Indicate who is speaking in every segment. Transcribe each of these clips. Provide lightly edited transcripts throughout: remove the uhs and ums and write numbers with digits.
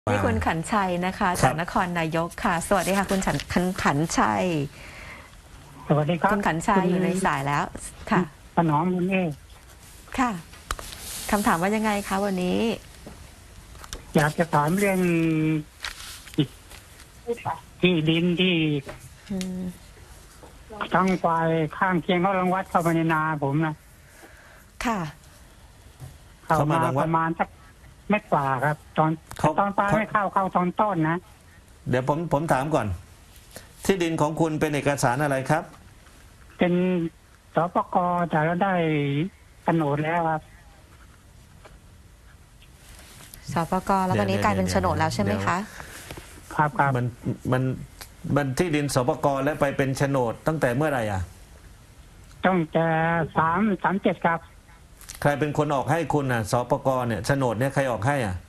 Speaker 1: ที่คุณขันชัยนะคะจากนครนายกค่ะสวัสดีค่ะคุณขันชัย
Speaker 2: สวัสดีครับ
Speaker 1: คุณขันชัยอยู่ในสายแล้วค่ะ
Speaker 2: ถนอมคุณเอ
Speaker 1: ค่ะคำถามว่ายังไงคะวันนี้
Speaker 2: อยากจะถามเรื่องที่ดินที่ทั้งฝ่ายข้างเคียงเขารังวัดเข้าไปในนาผมนะ
Speaker 1: ค่ะ
Speaker 2: เข้ามาประมาณสักเม็ดกว่าครับตอนปลายไม่เข้าตอนต้นนะ
Speaker 3: เดี๋ยวผมถามก่อนที่ดินของคุณเป็นเอกสารอะไรครับ
Speaker 2: เป็นสปก.แต่เราได้โฉนดแล้วครับ
Speaker 1: สปก.แล้ววันนี้กลายเป็นโฉนดแล้วใช่ไหมคะ
Speaker 2: ครับ
Speaker 3: มันที่ดินสปก.แล้วไปเป็นโฉนดตั้งแต่เมื่อไหร่อ่ะ
Speaker 2: ต้องแต่37ครับ
Speaker 3: ใครเป็นคนออกให้คุณอ่ะสปก.เนี่ยโฉนดเนี่ยใครออกให้อ่ะ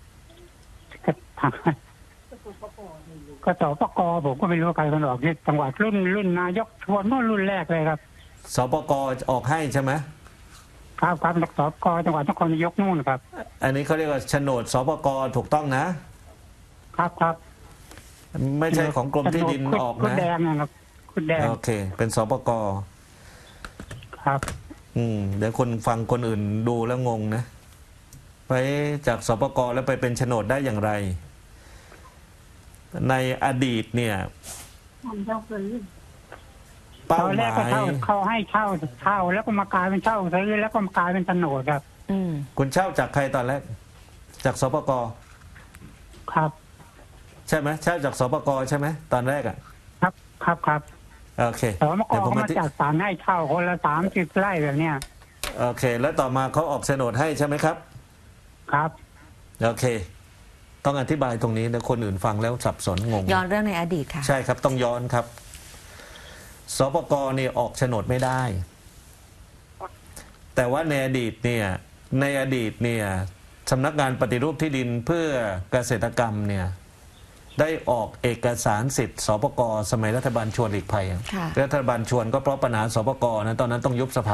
Speaker 2: ก็สปก.ผมก็ไม่รู้ใครคนออกที่จังหวัดรุ่นนายกชวนเมื่อรุ่นแรกเลยครับ
Speaker 3: สปก.ออกให้ใช่ไหม
Speaker 2: ครับสปก.จังหวัดนครนายกนู่นครับ
Speaker 3: อันนี้เขาเรียกว่าโฉนดสปก.ถูกต้องนะครับไม่ใช่ของกรมที่ดินออกนะ
Speaker 2: คุดแดงนะครับคุดแดง
Speaker 3: โอเคเป็นสปก.
Speaker 2: ครับ
Speaker 3: เดี๋ยวคนฟังคนอื่นดูแล้วงงนะไปจากสปก.แล้วไปเป็นโฉนดได้อย่างไรในอดีตเนี่ย
Speaker 2: เป้าหมายเขาให้เช่าแล้วก็มากลายเป็นเช่าซื้อแล้วก็มากลายเป็นโฉนดครับ
Speaker 3: คุณเช่าจากใครตอนแรกจากสปก.
Speaker 2: ครับ
Speaker 3: ใช่ไหมเช่าจากสปก.ใช่ไหมตอนแรกอ่ะ
Speaker 2: ครับ
Speaker 3: โอเค
Speaker 2: สปก.เขามาจัดสรรให้เช่าคนละ30 ไร่แบบเนี้ย
Speaker 3: โอเคแล้วต่อมาเขาออกโฉนดให้ใช่ไหมครับ
Speaker 2: ครับ
Speaker 3: โอเคต้องอธิบายตรงนี้นะคนอื่นฟังแล้วสับสนงง
Speaker 1: ย้อนเรื่องในอดีตค่ะ
Speaker 3: ใช่ครับต้องย้อนครับสปก.เนี่ยออกโฉนดไม่ได้แต่ว่าในอดีตเนี่ยสำนักงานปฏิรูปที่ดินเพื่อเกษตรกรรมเนี่ยได้ออกเอกสารสิทธิ์สปก.สมัยรัฐบาลชวนหลีกภัยรัฐบาลชวนก็เพราะปัญหาสปก.นะตอนนั้นต้องยุบสภา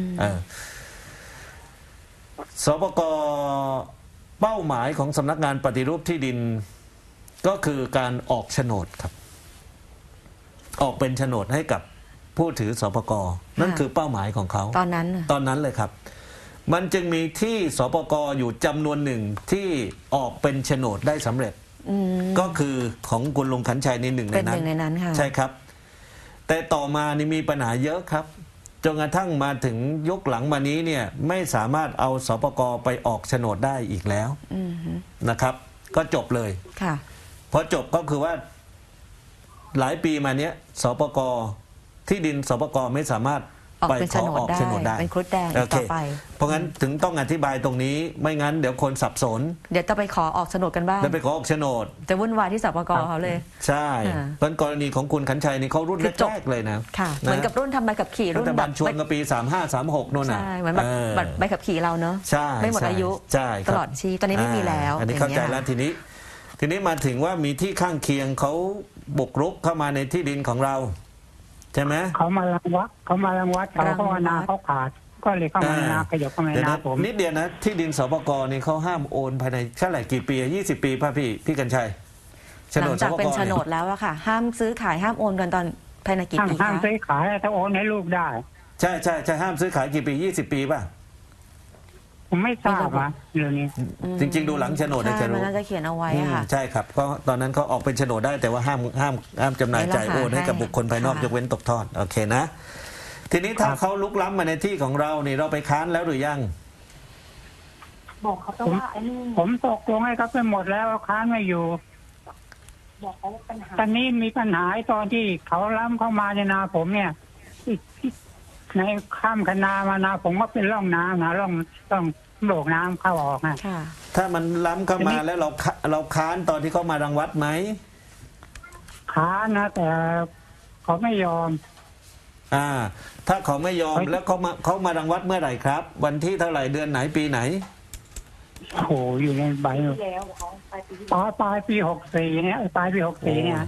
Speaker 3: สปก.เป้าหมายของสำนักงานปฏิรูปที่ดินก็คือการออกโฉนดครับออกเป็นโฉนดให้กับผู้ถือสปก.นั่นคือเป้าหมายของเขาตอนนั้นเลยครับมันจึงมีที่สปก.อยู่จำนวนหนึ่งที่ออกเป็นโฉนดได้สำเร็จก็คือของคุณลุงขันชัยในหนึ่งในนั้นใช่ครับแต่ต่อมานี่มีปัญหาเยอะครับจนกระทั่งมาถึงยุคหลังมานี้เนี่ยไม่สามารถเอาสปก.ไปออกโฉนดได้อีกแล้วนะครับก็จบเลยพอจบก็คือว่าหลายปีมาเนี้ยสปก.ที่ดินสปก.ไม่สามารถไปขอออกโฉนดได้
Speaker 1: เป็นครุฑแดงต่อไป
Speaker 3: เพราะงั้นถึงต้องอธิบายตรงนี้ไม่งั้นเดี๋ยวคนสับสน
Speaker 1: เดี๋ยวจะไปขอออกโฉนดกันบ้าง
Speaker 3: เดี๋ยวไปขอออกโฉนด
Speaker 1: จะวุ่นวายที่สปก.เขาเลย
Speaker 3: ใช่เพราะกรณีของคุณขันชัยนี่เขารุ่นแรกเลยนะ
Speaker 1: ค่ะเหมือนกับรุ่นทำใบขับขี่รุ่น
Speaker 3: แบบชวนกับปี3536นู่นน่ะ
Speaker 1: ใช่เหมือนแบบใบขับขี่เราเนอะไม่หมดอายุตลอดชีพตอนนี้ไม่มีแล้ว
Speaker 3: อันนี้เข้าใจแล้วทีนี้มาถึงว่ามีที่ข้างเคียงเขาบุกรุกเข้ามาในที่ดินของเราใช่ไหม
Speaker 2: เขามารังวัดเขาว่านาเขาขาดก็เลยเข้ามานาขยับเข้ามานาผม
Speaker 3: นิดเดียวนะที่ดินสปก.นี่เขาห้ามโอนภายในเท่าไหร่กี่ปี20 ปีป่ะพี่กัญชัย
Speaker 1: หลังจากเป็นโฉนดแล้วอะค่ะห้ามซื้อขายห้ามโอนกันตอนภายในกี่ปีคะ
Speaker 2: ห้ามซื้อขายถ้าโอนให้ลูกได้
Speaker 3: ใช่ห้ามซื้อขายกี่ปี20 ปีป่ะ
Speaker 2: ผมไม่ทราบว่าเรื่องนี้
Speaker 3: จริงๆดูหลังโฉนดจะรู้
Speaker 1: น่าจะเขียนเอาไว้ค่ะ
Speaker 3: ใช่ครับก็ตอนนั้นเขาออกเป็นโฉนดได้แต่ว่าห้ามจำหน่ายจ่ายโอนให้กับบุคคลภายนอกยกเว้นตกทอดโอเคนะทีนี้ถ้าเขาลุกล้ำมาในที่ของเรานี่เราไปค้านแล้วหรือยัง
Speaker 2: บอกเขาว่าผมตกลงให้เขาไปหมดแล้วค้านไม่อยู่บอกเขาปัญหาตอนนี้มีปัญหาตอนที่เขาล้ำเข้ามาในนาผมเนี่ยในข้ามคนามานาผมก็เป็นร่องน้ำนะร่องโบกน้ำเข้าออกนะ
Speaker 3: ถ้ามันล้ำเข้ามาแล้วเราค้านตอนที่เขามารังวัดไหม
Speaker 2: ค้านนะแต่เขาไม่ยอม
Speaker 3: ถ้าเขาไม่ยอมแล้วเขามารังวัดเมื่อไหร่ครับวันที่เท่าไหร่เดือนไหนปีไหน
Speaker 2: โอ้โหอยู่ในใบปลายปี64เนี่ยปลายปี64เนี่ย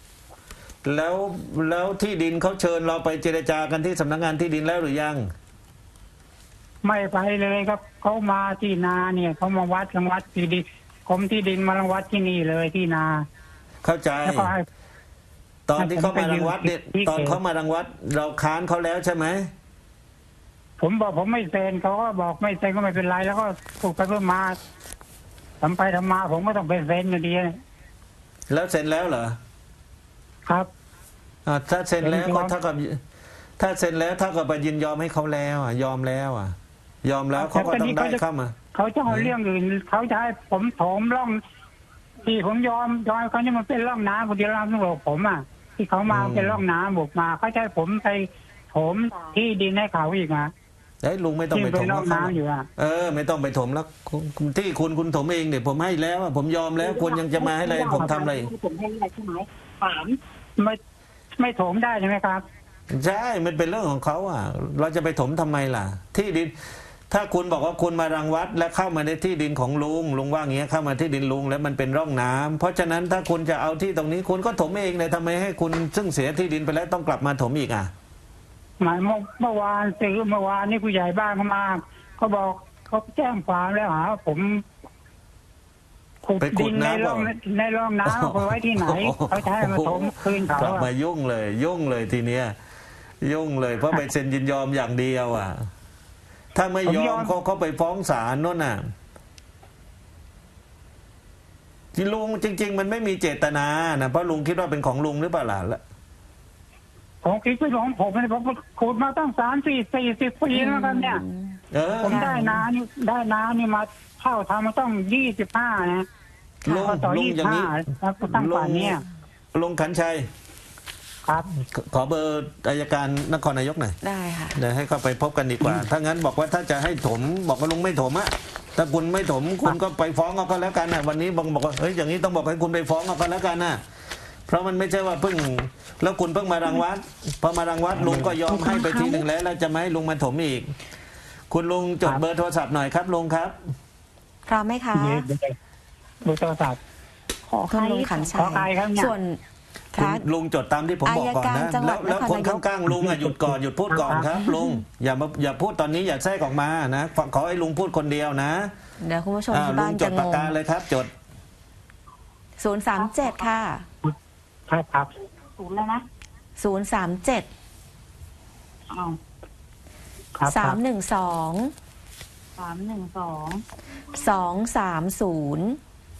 Speaker 3: แล้วที่ดินเขาเชิญเราไปเจรจากันที่สำนักงานที่ดินแล้วหรือยัง
Speaker 2: ไม่ไปเลยครับเขามาที่นาเนี่ยเขามาวัดที่ดินกรมที่ดินมารังวัดที่นี่เลยที่นา
Speaker 3: เข้าใจ
Speaker 2: แล้วก็ให้
Speaker 3: ตอนที่เขามารังวัดเนี่ย
Speaker 2: ที่
Speaker 3: ตอนเขามารังวัด เราค้านเขาแล้วใช่ไหม
Speaker 2: ผมบอกผมไม่เซ็นเขาก็บอกไม่เซ็นก็ไม่เป็นไร แล้วก็ถูกไปเพื่อมาทำไปทำมา ผมก็ต้องไปเซ็นอยู่ดี
Speaker 3: แล้วเซ็นแล้วเหรอ
Speaker 2: ครับ
Speaker 3: ถ้าเซ็นแล้ว
Speaker 2: เซ็น
Speaker 3: ก็
Speaker 2: ยอม
Speaker 3: เท่ากับถ้าเซ็นแล้วเท่ากับไปยินยอมให้เขาแล้วยอมแล้วยอมแล้วเขาก็ต้องได้เข้ามา
Speaker 2: เขาจะเอาเรื่องอื่นเขาจะให้ผมโถมร่องที่ผมยอมเขานี่มันเป็นร่องน้ำคนที่ร่างต้องบอกผมที่เขามาเป็นร่องน้ำบุกมาเขาจะให้ผมไปโถมที่ดินให้เขาอีก
Speaker 3: ลุงไม่ต้อง
Speaker 2: ที่
Speaker 3: ไป
Speaker 2: เป็
Speaker 3: ถ
Speaker 2: น
Speaker 3: ม
Speaker 2: ร่องน้ำอยู่
Speaker 3: ไม่ต้องไปถมแล้วที่คุณถมเองเนี่ยผมให้แล้วผมยอมแล้วคุณยังจะมาให้อะไรผมทำอะไร
Speaker 2: ผมให้อะไรใช่ไหมถามไม่โถมได้ใช่ไหมครับ
Speaker 3: ใช่มันเป็นเรื่องของเขาเราจะไปถมทำไมล่ะ ที่ดิน ถ้าคุณบอกว่าคุณมารังวัดและเข้ามาในที่ดินของลุงว่าอย่างเงี้ยเข้ามาที่ดินลุงแล้วมันเป็นร่องน้ำเพราะฉะนั้นถ้าคุณจะเอาที่ตรงนี้คุณก็ถมเองเลยทำไมให้คุณซึ่งเสียที่ดินไปแล้วต้องกลับมาถมอีก
Speaker 2: หมายเมื่อวานนี่ผู้ใหญ่บ้านเขามาเขาบอกเขาแจ้งความแล้วผมขุดดินในร่องน้ำเอาไว้ที่ไหนเขาจะให้มาถมคืนเขา
Speaker 3: กลับมายุ่งเลยทีเนี้ยยุ่งเลยเพราะไปเซ็นยินยอมอย่างเดียวถ้าไม่ยอมเขาไปฟ้องศาลโน่นที่ลุงจริงๆมันไม่มีเจตนาเพราะลุงคิดว่าเป็นของลุงหรือเปล่าล่ะ
Speaker 2: ผมคิดว่าของผมผมขุดมาตั้ง30-40 ปีแล้วกันเนี่ยผมได้น้านี่มาเข้าทำมาต้อง25นะ
Speaker 3: ลุงอย่างนี้
Speaker 2: ตั้งป่านนี้
Speaker 3: ลุงขันชัย
Speaker 2: ครับ
Speaker 3: ขอเบอร์อัยการนครนายกหน่อย
Speaker 1: ได้ค่ะ
Speaker 3: เดี๋ยวให้เข้าไปพบกันดีกว่าถ้างั้นบอกว่าถ้าจะให้ถมบอกว่าลุงไม่ถมถ้าคุณไม่ถมคุณก็ไปฟ้องเอาก็แล้วกันวันนี้บอกว่าเฮ้ยอย่างนี้ต้องบอกให้คุณไปฟ้องเอาก็แล้วกันเพราะมันไม่ใช่ว่าเพิ่งแล้วคุณเพิ่งมารังวัดพอมารังวัดลุงก็ยอมให้ไปทีหนึ่งแล้วจะไม่ให้ลุงมาถมอีกคุณลุงจดเบอร์โทรศัพท์หน่อยครับลุงครับ
Speaker 1: พร้อมไหมคะ
Speaker 2: เบอร์โทรศัพท์
Speaker 1: คุณลุงขันชัยส่วน
Speaker 3: ลุงจดตามที่ผมบอกก่อนนะแล้วคนข้างๆลุงหยุดก่อนหยุดพูดก่อนครับลุงอย่าพูดตอนนี้อย่าแทรกออกมานะขอให้ลุงพูดคนเดียวนะ
Speaker 1: เดี๋ยวคุณผู้ชมที่บ้านจะงง
Speaker 3: ปากกาเลยครับจด
Speaker 1: 037ค่ะ
Speaker 2: ครับ0แล้วนะ
Speaker 1: 037 312 230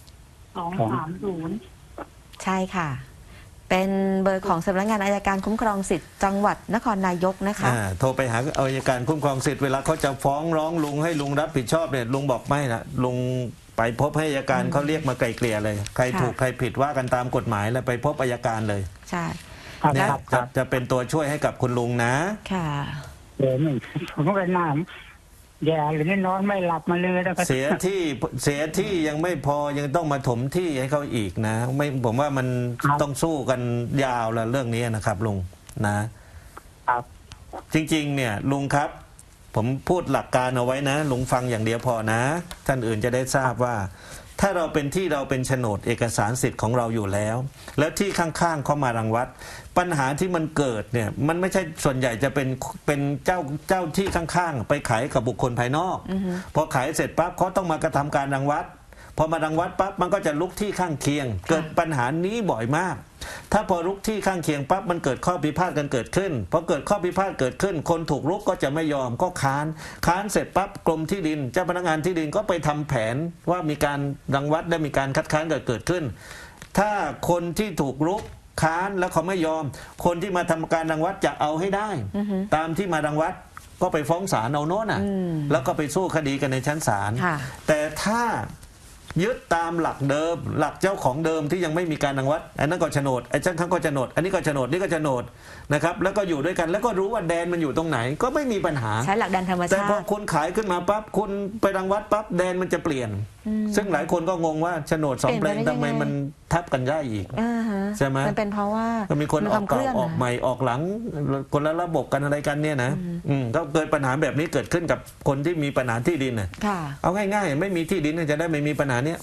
Speaker 1: ใช่ค่ะเป็นเบอร์ของสำนักงานอัยการคุ้มครองสิทธิ์จังหวัดนครนายกนะคะ
Speaker 3: โทรไปหาอัยการคุ้มครองสิทธิ์เวลาเขาจะฟ้องร้องลุงให้ลุงรับผิดชอบเนี่ยลุงบอกไม่นะลุงไปพบให้อัยการเขาเรียกมาไกลเกลี่ยเลยใครถูกใครผิดว่ากันตามกฎหมายแล้วไปพบอัยการเลย
Speaker 1: ใช่
Speaker 3: เนี่ยจะเป็นตัวช่วยให้กับคุณลุงนะ
Speaker 1: ค่ะ
Speaker 2: ผมก็น่าแย่หรือนี่นอนไม่หลับมาเลยแล้วก็
Speaker 3: เสียที่ยังไม่พอยังต้องมาถมที่ให้เขาอีกนะไม่ผมว่ามันต้องสู้กันยาวแล้วเรื่องนี้นะครับลุงนะครับจริงๆเนี่ยลุงครับผมพูดหลักการเอาไว้นะลุงฟังอย่างเดียวพอนะท่านอื่นจะได้ทราบว่าถ้าเราเป็นโฉนดเอกสารสิทธิ์ของเราอยู่แล้วแล้วที่ข้างๆเขามารังวัดปัญหาที่มันเกิดเนี่ยมันไม่ใช่ส่วนใหญ่จะเป็นเจ้าที่ข้างๆไปขายกับบุคคลภายนอกพอขายเสร็จปั๊บเขาต้องมากระทำการรังวัดพอมารังวัดปั๊บมันก็จะลุกที่ข้างเคียงเกิดปัญหานี้บ่อยมากถ้าพอลุกที่ข้างเคียงปั๊บมันเกิดข้อพิพาทกันเกิดขึ้นพอเกิดข้อพิพาทเกิดขึ้นคนถูกลุกก็จะไม่ยอมก็ค้านเสร็จปั๊บกรมที่ดินเจ้าพนักงานที่ดินก็ไปทำแผนว่ามีการรังวัดได้มีการคัดค้านเกิดขึ้นถ้าคนที่ถูกลุกค้านแล้วเขาไม่ยอมคนที่มาทำการรังวัดจะเอาให้ได้ตามที่มารังวัดก็ไปฟ้องศาลเอาโน่นแล้วก็ไปสู้คดีกันในชั้นศาลแต่ถ้ายึดตามหลักเดิมหลักเจ้าของเดิมที่ยังไม่มีการรังวัดอันนั้นก็โฉนดไอ้ชั้นข้างก็โฉนดอันนี้ก็โฉนดนี่ก็โฉนดนะครับแล้วก็อยู่ด้วยกันแล้วก็รู้ว่าแดนมันอยู่ตรงไหนก็ไม่มีปัญหา
Speaker 1: ใช้หลักแดนธรรมชาติ
Speaker 3: แต่พอคุณขายขึ้นมาปั๊บคุณไปรังวัดปั๊บแดนมันจะเปลี่ยนซึ่งหลายคนก็งงว่าโฉนด2 แปลงทำไมมันทับกันได้อีกใช่ไหม
Speaker 1: มันเป็นเพราะว่า
Speaker 3: มีคนออกเก่าออกใหม่ออกหลังคนละระบบกันอะไรกันเนี่ยนะก็เกิดปัญหาแบบนี้เกิดขึ้นกับคนที่มีปัญหาที่ดินเอาง่ายๆไม่มีที่ดินจะได้ไม่มีปัญหาเนี้ย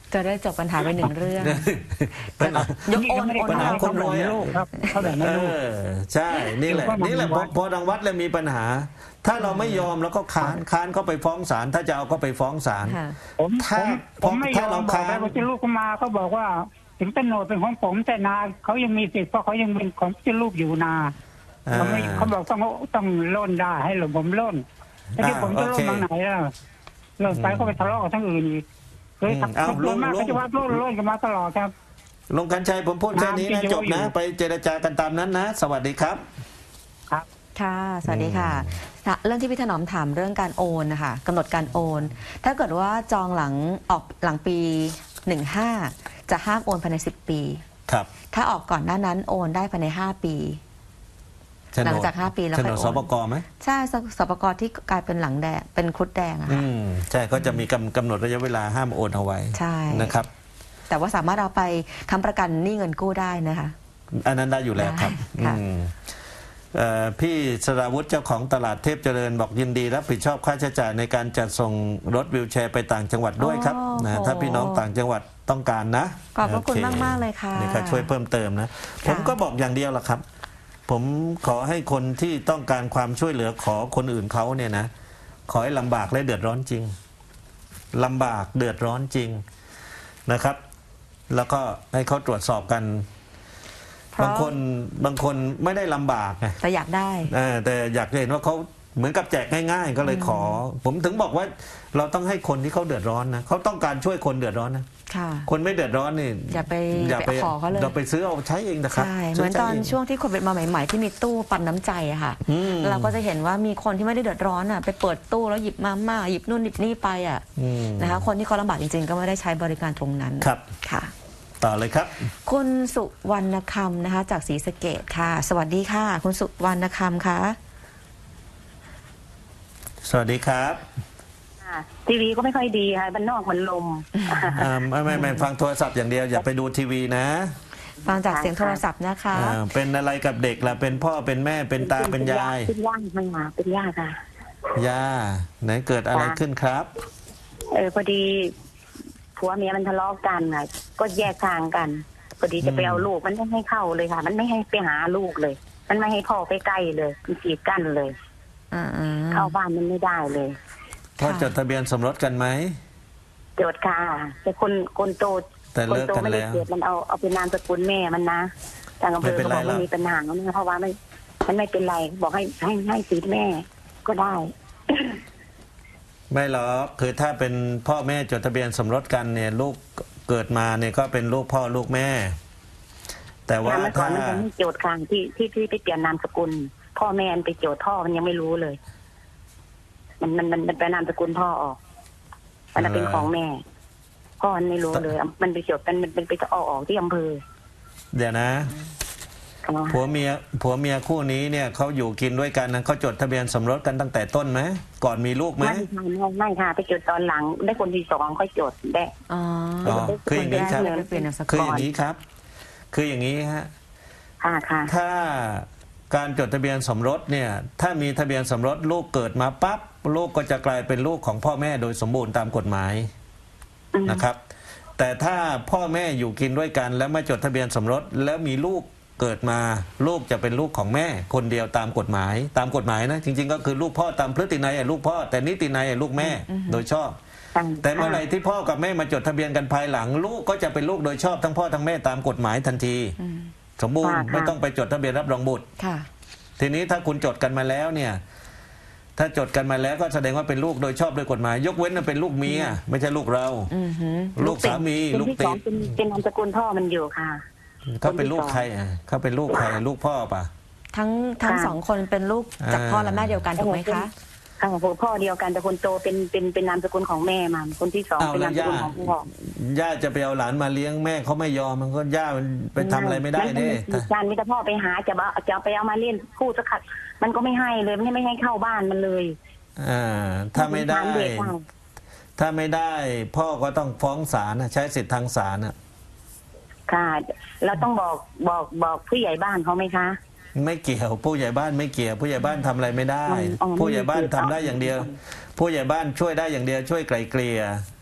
Speaker 1: จะได้จบปัญหาไปหนึ่งเรื่อง
Speaker 3: ปัญหา
Speaker 1: ยกโอน
Speaker 2: ไม่ได้
Speaker 1: โอน
Speaker 3: ปัญหา
Speaker 1: ให้
Speaker 3: คนรวยอะ
Speaker 2: ลูกครับเขาแบ่งให้ลูก
Speaker 3: ใช่นี่แหละพอทางวัดเลยมีปัญหา ถ้าเราไม่ยอมแล้วก็ค้านก็ไปฟ้องศาลถ้าจะเอาก็ไปฟ้องศาล
Speaker 1: ค่ะ
Speaker 2: ผมไม่ยอมบอกแล้วว่าที่ลูกเขามาเขาบอกว่า ถึงโฉนดเป็นของผมแต่นาเขายังมีสิทธิ์เพราะเขายังเป็นของที่ลูกอยู่นาเขาบอกต้องล่นได้ให้หลวงผมล่นแต่ที่ผมจะล่นทางไหนล่ะล่นไปก็ไปทะเลาะกับทั้งอื่นอีกเลยขับรถมากเขาจะว่าล่นกันมาตลอดครับ
Speaker 3: ลุงกัญชัยผมพูดแค่นี้นะจบนะ ไปเจรจากันตามนั้นนะ สวัสดีครับ
Speaker 1: ค่ะ สวัสดีค่ะ เรื่องที่พี่ถนอมถามเรื่องการโอนนะคะกำหนดการโอน ถ้าเกิดว่าจองหลังปี 15 จะห้ามโอนภายใน 10 ปี
Speaker 3: ครับ
Speaker 1: ถ้าออกก่อนหน้านั้นโอนได้ภายใน 5 ปี หลังจาก5 ปีแล้ว
Speaker 3: โฉ
Speaker 1: ค่
Speaker 3: น
Speaker 1: อย
Speaker 3: ด
Speaker 1: โอ
Speaker 3: ส
Speaker 1: น
Speaker 3: ปกไหม
Speaker 1: ใช่สปกที่กลายเป็นหลังแดงเป็นครุฑแดงอะค่ะ
Speaker 3: ใช่ก็จะมีกำหนดระยะเวลาห้ามโอนเอาไว้
Speaker 1: ใช่
Speaker 3: นะครับ
Speaker 1: แต่ว่าสามารถเอาไปค้ำประกันหนี้เงินกู้ได้นะคะ
Speaker 3: อันนั้นได้อยู่แล้วครับ
Speaker 1: ได้ค่ะ
Speaker 3: พี่สราวุธเจ้าของตลาดเทพเจริญบอกยินดีรับผิดชอบค่าใช้จ่ายในการจัดส่งรถวีลแชร์ไปต่างจังหวัดด้วยครับนะถ้าพี่น้องต่างจังหวัดต้องการนะ
Speaker 1: ขอบพระคุณ
Speaker 3: โอ
Speaker 1: มากๆเลยค่ะ
Speaker 3: นี่ก็ช่วยเพิ่มเติมนะ ผมก็บอกอย่างเดียวละครับ ผมขอให้คนที่ต้องการความช่วยเหลือขอคนอื่นเขาเนี่ยนะ ขอให้ลำบากและเดือดร้อนจริงลำบากเดือดร้อนจริงนะครับ แล้วก็ให้เขาตรวจสอบกัน บางคนไม่ได้ลำบากไง
Speaker 1: แต่อยากได้
Speaker 3: แต่อยากจะเห็นว่าเขาเหมือนกับแจกง่ายๆ ก็เลยขอ ผมถึงบอกว่าเราต้องให้คนที่เขาเดือดร้อนนะเขาต้องการช่วยคนเดือดร้อนนะ
Speaker 1: ค่ะ
Speaker 3: คนไม่เดือดร้อนนี่
Speaker 1: อย่าไปขอเขาเลย
Speaker 3: เราไปซื้อเอาใช้เองนะครับ
Speaker 1: ใช่เหมือนตอนช่วงที่โควิดมาใหม่ๆที่มีตู้ปันน้ำใจอะค่ะ เราก็จะเห็นว่ามีคนที่ไม่ได้เดือดร้อนอะไปเปิดตู้แล้วหยิบมาม่าหยิบนู่นหยิบนี่ไปอะนะคะคนที่เขาลำบากจริงๆ ก็ไม่ได้ใช้บริการตรงนั้น
Speaker 3: ครับ
Speaker 1: ค่ะ
Speaker 3: ต่อเลยครับ
Speaker 1: คุณสุวรรณคำนะคะ จากศรีสะเกษค่ะ สวัสดีค่ะ คุณสุวรรณคำค่ะ
Speaker 3: สวัสดีครับ
Speaker 4: ทีวีก็ไม่ค่อยดีค่ะบ้านนอกมันลม
Speaker 3: ไม่ฟังโทรศัพท์อย่างเดียวอย่าไปดูทีวีนะ
Speaker 1: ฟังจากเสียงโทรศัพท์นะคะ
Speaker 3: เป็นอะไรกับเด็กล่ะเป็นพ่อเป็นแม่เป็นตาเป็นยาย
Speaker 4: เป็นย่าค่ะเป็นย่าค่ะ
Speaker 3: ย่าไหนเกิดอะไรขึ้นครับ
Speaker 4: พอดีผัวเมียมันทะเลาะกันค่ะก็แยกทางกันพอดีจะไปเอาลูกมันไม่ให้เข้าเลยค่ะ มันไม่ให้ไปหาลูกเลย มันไม่ให้พ่อไปใกล้เลยมันกีดกั้นเลย เข้าบ้านมันไม่ได้เลย
Speaker 3: พ่อจดทะเบียนสมรสกันไหม
Speaker 4: โจทย์ค่ะแต่คนโต
Speaker 3: แต่เลิกกัน
Speaker 4: ไม่ได้
Speaker 3: แล้ว
Speaker 4: เกิดมันเอาเป็นนามสกุลแม่มันนะทางอำเภอ
Speaker 3: ไม่เป็น
Speaker 4: เขา
Speaker 3: ไร
Speaker 4: บอก
Speaker 3: หรอก
Speaker 4: ไม่มีปัญหาเพราะว่ามันไม่เป็นไรบอกให้สิทธิ์แม่ก็ได้
Speaker 3: ไม่หรอกคือถ้าเป็นพ่อแม่จดทะเบียนสมรสกันเนี่ยลูกเกิดมาเนี่ยก็เป็นลูกพ่อลูกแม่ แต่ว่า
Speaker 4: เมื่อก่อ
Speaker 3: ถ้าน
Speaker 4: มันยังไม่โจทย์ค่ะที่ไปเปลี่ยนนามสกุล พ่อแม่มันไปโจทย์พ่อมันยังไม่รู้เลย มันไปนามสกุลพ่อออกมันเป็นของแม่ พ่อมันไม่รู้เลยมันไปโจทย์มันไปออกที่อำเภอ
Speaker 3: เดี๋ยวนะ ผัวเมียคู่นี้เนี่ยเขาอยู่กินด้วยกันนะเขาจดทะเบียนสมรสกันตั้งแต่ต้นไหมก่อนมีลูกไหม
Speaker 4: ไม่ค่ะไปโจทย์ตอนหลัง ได้คนที่สองค่อยโจทย์ได้
Speaker 1: อ๋อ
Speaker 3: คืออย่างนี้ครับ
Speaker 1: เปลี่ยนนามสกุล
Speaker 3: คืออย่างนี้ครับ คืออย่างนี้ฮะ
Speaker 4: ค่ะ
Speaker 3: ถ้าการจดทะเบียนสมรสเนี่ยถ้ามีทะเบียนสมรสลูกเกิดมาปั๊บลูกก็จะกลายเป็นลูกของพ่อแม่โดยสมบูรณ์ตามกฎหมายนะครับ แต่ถ้าพ่อแม่อยู่กินด้วยกัน แล้วไม่จดทะเบียนสมรสแล้วมีลูกเกิดมาลูกจะเป็นลูกของแม่คนเดียวตามกฎหมายนะจริงๆก็คือลูกพ่อตามพฤตินัยลูกพ่อแต่นิตินัยลูกแม่โดยชอบ แต่เมื่อไหร่ที่พ่อกับแม่มาจดทะเบียนกันภายหลัง ลูกก็จะเป็นลูกโดยชอบทั้งพ่อทั้งแม่ตามกฎหมายทันทีสมบูรณ์ไม่ต้องไปจดทะเบียนรับรองบุตร
Speaker 1: ค่ะ
Speaker 3: ทีนี้ถ้าคุณจดกันมาแล้วเนี่ยถ้าจดกันมาแล้วก็แสดงว่าเป็นลูกโดยชอบโดยกฎหมาย ยกเว้นว่าเป็นลูกเมียไม่ใช่ลูกเราลูกสามีลูกติด
Speaker 4: เป็นนามสกุลพ่อมันอยู่ค่ะ
Speaker 3: เขาเป็นลูกใครเขาเป็นลูกใครลูกพ่อป่ะ
Speaker 1: ทั้งสองคนเป็นลูกจากพ่อและแม่เดียวกันถูกไหมคะ
Speaker 4: ค่ะพ่อเดียวกันแต่คนโตเป็นนามสกุลของแม่มันคนที่สองเป็นนามสกุลของพ่อย่
Speaker 3: าจะไปเอาหลานมาเลี้ยงแม่เขาไม่ยอมมันก็ย่ามันไปทำอะไรไม่ได้เด้
Speaker 4: การมีแต่พ่อไปหาจะไปเอามาเล่นคู่สักขัดมันก็ไม่ให้เลยไม่ให้เข้าบ้านมันเลย
Speaker 3: ถ้าไม่ได้พ่อก็ต้องฟ้องศาลใช้สิทธิ์ทางศาล
Speaker 4: ค่ะเราต้องบอกผู้ใหญ่บ้านเขาไหมคะ
Speaker 3: ไม่เกี่ยวผู้ใหญ่บ้านไม่เกี่ยวผู้ใหญ่บ้านทำอะไรไม่ได้ ผู้ใหญ่บ้านทำได้อย่างเดียว ผู้ใหญ่บ้านช่วยได้อย่างเดียวช่วยไกลเกลี่ย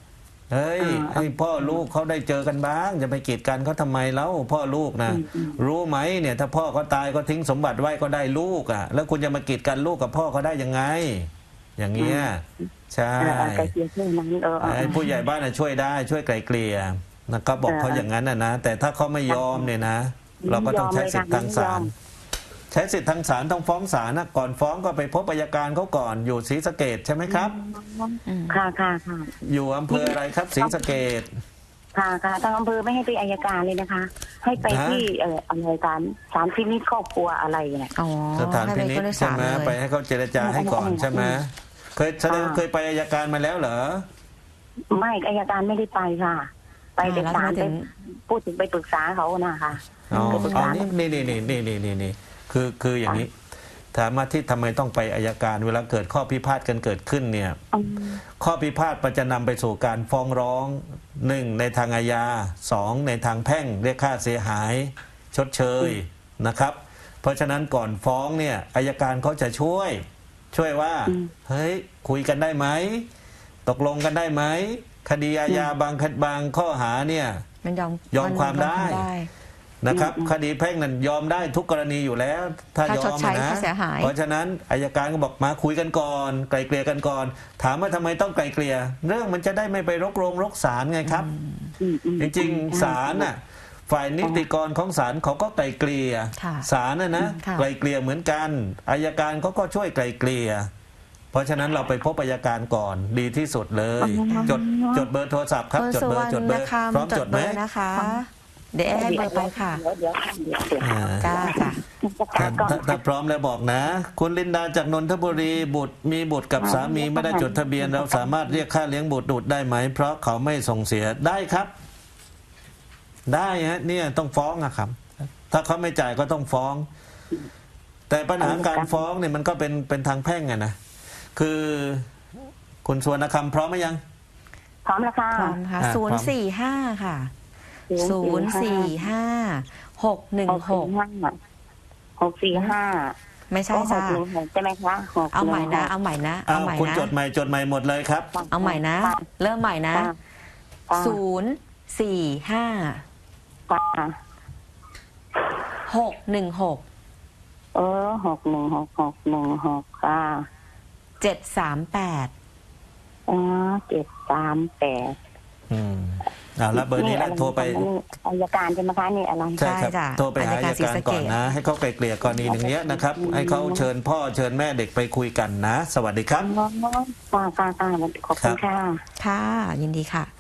Speaker 3: เฮ้ย ให้พ่อลูกเขาได้เจอกันบ้าง จะไปกีดกันเขาทำไมแล้วพ่อลูกนะรู้ไหมเนี่ย ถ้าพ่อเขาตายก็ทิ้งสมบัติไว้ก็ได้ลูกอ่ะ แล้วคุณจะมากีดกันลูกกับพ่อเขาได้ยังไง อย่างเงี้ยใช่
Speaker 4: ไกลเกลี่ยเรื่องนั้น
Speaker 3: ไอ้ผู้ใหญ่บ้านน่ะช่วยได้ช่วยไกลเกลี่ยนะครับบอกเขาอย่างนั้นนะแต่ถ้าเขาไม่ยอมเนี่ยนะ เราก็ต้องใช้สิทธิ์ทางศาลใช้สิทธิ์ทางศาลต้องฟ้องศาลนะก่อนฟ้องก็ไปพบอัยการเขาก่อนอยู่ศรีสะเกษใช่ไหมครับ
Speaker 4: ค่ะค่ะ
Speaker 3: อยู่อำเภออะไรครับศรีสะเกษ
Speaker 4: ค่ะทางอำเภอไม่ให้ไปอัยการเลยนะคะ ให้ไปที่อะไรกันศาลพินิจครอบครัวอะไรเนี่ย
Speaker 1: อ๋อ
Speaker 3: สถานพินิจใช่ไหมไปให้เขาเจรจาให้ก่อนใช่ไหมเคยแสดงเคยไปอัยการมาแล้วเหรอ
Speaker 4: ไม่อัยการไม่ได้ไปค่ะ ไปแต่ศาลไปพูดถึงไปปรึกษาเขานะคะ
Speaker 3: อ๋อนี่คืออย่างนี้ถามมาที่ทำไมต้องไปอัยการเวลาเกิดข้อพิพาทกันเกิดขึ้นเนี่ยข้อพิพาทมันจะนำไปสู่การฟ้องร้อง1ในทางอาญา2ในทางแพ่งเรียกค่าเสียหายชดเชยนะครับเพราะฉะนั้นก่อนฟ้องเนี่ยอัยการเขาจะช่วยว่าเฮ้ยคุยกันได้ไหมตกลงกันได้ไหมคดีอาญาบางข้อหาเนี่ย
Speaker 1: มัน
Speaker 3: ยอมความได้นะครับคดีแพ่งนั้นยอมได้ทุกกรณีอยู่แล้วถ้ายอมนะเพราะฉะนั้นอัยการก็บอกมาคุยกันก่อนไกลเกลี่ยกันก่อนถามว่าทำไมต้องไกลเกลี่ยเรื่องมันจะได้ไม่ไปรกศาลไงครับจริงๆศาลน่ะฝ่ายนิติกรของศาลเขาก็ไกลเกลี่ยศาลนะไกลเกลี่ยเหมือนกันอัยการเขาก็ช่วยไกลเกลี่ยเพราะฉะนั้นเราไปพบอัยการก่อนดีที่สุดเลยจดเบอร์โทรศัพท์ครับจดเบอร์พร้อมจดไหม
Speaker 1: นะคะเดี๋ยวให้เบอร์ไปค่ะจ้า
Speaker 3: ถ้าพร้อมแล้วบอกนะคุณลินดาจากนนทบุรีมีบุตรกับสามีไม่ได้จดทะเบียนเราสามารถเรียกค่าเลี้ยงบุตรได้ไหมเพราะเขาไม่ส่งเสียได้ครับได้ฮะเนี่ยต้องฟ้องอะครับถ้าเขาไม่จ่ายก็ต้องฟ้องแต่ปัญหาการฟ้องเนี่ยมันก็เป็นทางแพ่งไงนะคือคุณสุวรรณคำพร้อมไหมยัง
Speaker 4: พร้อมแล้วค่ะ
Speaker 1: พร้อมค่ะ045ค่ะ045-616ไม่ใช่จ้า
Speaker 4: ใช่ไหมคะ
Speaker 1: เอาใหม่นะเอาใหม่นะ
Speaker 3: คุณจดใหม่หมดเลยครับ
Speaker 1: เอาใหม่นะเริ่มใหม่นะ045-616
Speaker 4: 616ค่ะ
Speaker 1: 738
Speaker 3: แล้วเบอร์นี้แล้วโทรไป
Speaker 4: อัยการใช่ไหมคะนี่อะไร
Speaker 3: ใช่ครับโทรไปหาอัยการก่อนนะให้เขาไกลเกลี่ยกรณีอย่างเงี้ยนะครับให้เขาเชิญพ่อเชิญแม่เด็กไปคุยกันนะสวัสดีครับ
Speaker 4: ค่ะขอบคุณค่ะ
Speaker 1: ค่ะยินดีค่ะ